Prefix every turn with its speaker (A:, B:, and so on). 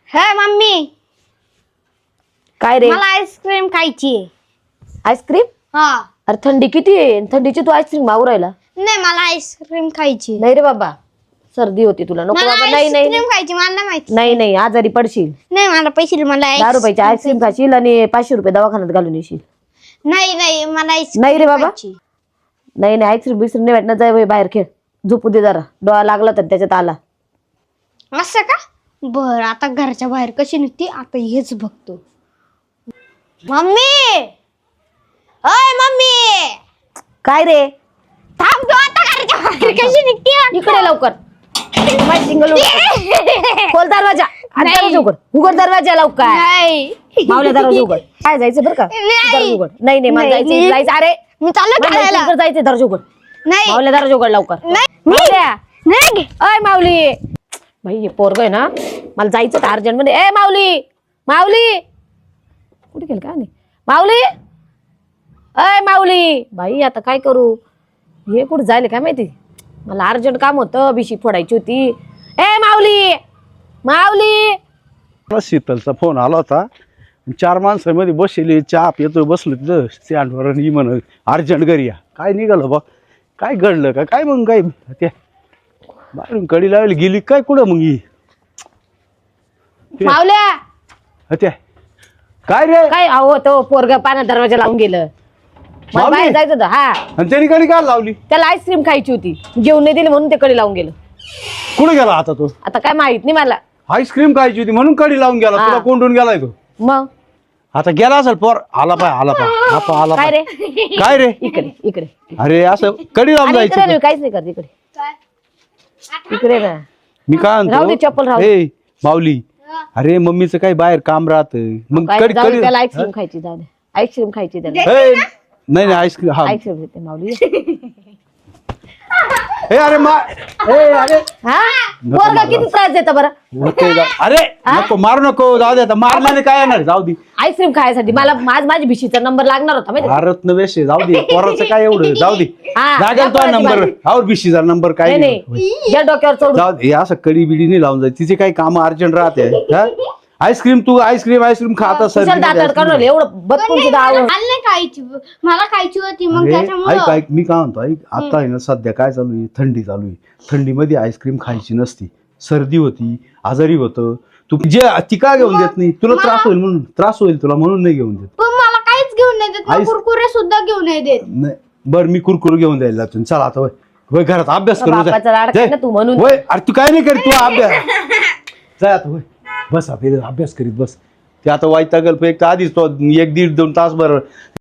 A: हे मम्मी
B: काय रे?
A: मला आईस्क्रीम खायची आहे.
B: आईस्क्रीम?
A: हा
B: अरे थंडी किती आहे, थंडीची तू आईस्क्रीम मागू राहिला?
A: नाही मला आईस्क्रीम खायची.
B: नाही रे बाबा, सर्दी होती तुला. नको
A: मला
B: बाबा, नाही नाही
A: आईस्क्रीम खायची मला नाही माहिती.
B: नाही नाही, आजारी पडशील.
A: नाही मला पैसे मला
B: 10 रुपयाची आईस्क्रीम खाशील आणि 500 रुपये दवाखान्यात घालून येशील.
A: नाही नाही मला आईस्क्रीम
B: नाही रे बाबा.
A: खायची.
B: नाही नाही, आईस्क्रीम बिस्क्रीम नाही भेटणार. जाय बाहेर खेळ, झोपू दे जरा. डोळा लागला तर त्याच्यात आला.
A: असं का? बर आता घरच्या बाहेर कशी निघते आता हेच बघतो. मम्मी ओय मम्मी
B: काय रे?
A: थांब तू आता घरच्या बाहेर कशी निघते.
B: इकडे लवकर. माझी सिंगल खोल दरवाजा. आता
A: नाही.
B: दरवाजा उघड. उघड दरवाजा लवकर.
A: नाही
B: मावल्या दरवाजा उघड. काय जायचं बरं का?
A: नाही.
B: दरवाजा उघड. नाही नाही, मला
A: नाही,
B: जायचं
A: नाही.
B: जायचं. अरे
A: मी चाललो
B: मला
A: खेळायला.
B: इकडे जायचं. दरवाजा उघड.
A: नाही
B: मावल्या दरवाजा उघड लवकर.
A: नाही
B: मावल्या.
A: नाही
B: अय माऊली, भाई हे पोरग आहे ना, मला जायचं तर अर्जंट मध्ये. ए माऊली, माऊली कुठे गेल का? नाही माऊली. अय माऊली, भाई आता काय करू? हे कुठे जायले काय माहिती. मला अर्जंट काम होतं, बिशी फोडायची होती. ए माऊली, माऊली.
C: मला शीतलचा फोन आला होता. 4 माणसामध्ये बसले, चहा पितो, बसलो तिथं स्टँडवर आणि म्हण अर्जंट घरी या. काय निघालं बा, काय घडलं का काय? मग काय त्या बाहेरून कडी लावली गेली काय कुठं मग ही
B: मावल्या
C: त्या काय रे?
B: काय अहो तो पोरग पाना दरवाजा लावून गेलं. मला
C: माऊली?
B: बाहेर जायचं होतं. हा,
C: आणि त्याने कडी काय लावली?
B: त्याला आईस्क्रीम खायची होती, घेऊन नाही दिली म्हणून ते कडे लावून गेलं.
C: कुठं गेला आता तो?
B: आता काय माहित नाही मला.
C: आईस्क्रीम खायची होती म्हणून कडी लावून गेला.
B: हा.
C: तुला कोंडून गेलाय तो.
B: मग
C: आता गेला असेल पोर. आला आला
B: काय रे?
C: काय रे?
B: इकडे इकडे.
C: अरे असं कडी लावून
B: अरे इकडे
C: जायचं.
B: नाही, काहीच नाही करत. इकडे इकडे ना.
C: मी काय
B: राहू दे, चप्पल राहू दे.
C: ए माऊली, अरे मम्मीचं काही बाहेर काम राहत मग
B: काय
C: कडी
B: जाऊ दे,
C: कडी
B: त्याला आईस्क्रीम खायची. जाऊ दे, आईस्क्रीम खायची त्याला.
C: ए, नाही आईस्क्रीम. हा
B: आईस्क्रीम देते माऊली.
C: ए अरे अरे
B: हा पोरगा किती त्रास देता बरं.
C: ओके, अरे नको मारू नको. जाऊ दे आता. मारल्याने काय येणार? जाऊ दे.
B: आईस्क्रीम खायसाठी मला माझी भिशीचा नंबर लागणार होता माहिती.
C: भारत नवेश जाऊ दे. पोराचं काय एवढं? जाऊ दे.
B: हा,
C: लागेल तो
B: दाखवा
C: नंबर.
B: माझी.
C: और बीसीचा नंबर काय
B: नाही नाही, या डोक्यावर चढून.
C: जाऊ दे. असं कडी बिडी नाही लावून जाय. तिचे काही काम अर्जंट राहते. हा? आईस्क्रीम तू आईस्क्रीम खाता सर.
B: कुशाल दातार काढून एवढं बदकून सुद्धा आवड.
A: मला नाही खायची मला खायची होती मग
C: ऐक
A: त्याच्यामुळे
C: ऐक मी काय म्हणतो ऐक. आता आहे ना सध्या काय चालू आहे? थंडी चालू आहे. थंडीमध्ये आईस्क्रीम खायची नसती. सर्दी होती, आजारी होतं. तू जे ती का घेऊन देत नाही? तुला त्रास होईल म्हणून. त्रास होईल तुला म्हणून नाही घेऊन देत.
A: पण मला काहीच घेऊन नाही देत.
C: आईस-
A: कुरकुरे सुद्धा घेऊन नाही देत.
C: नाही बरं, मी कुरकुर घेऊन द्यायला जातो. चल आता वय वय घरात अभ्यास करू.
B: बापाचा लाडका आहे ना तू म्हणून.
C: वय अरे तू काय नाही करीत. तू अभ्यास जाय आता. वय बस आता अभ्यास करीत बस. ते आता वाईट गल्प एक तर आधीच तो 1-1.5-2 तास बरं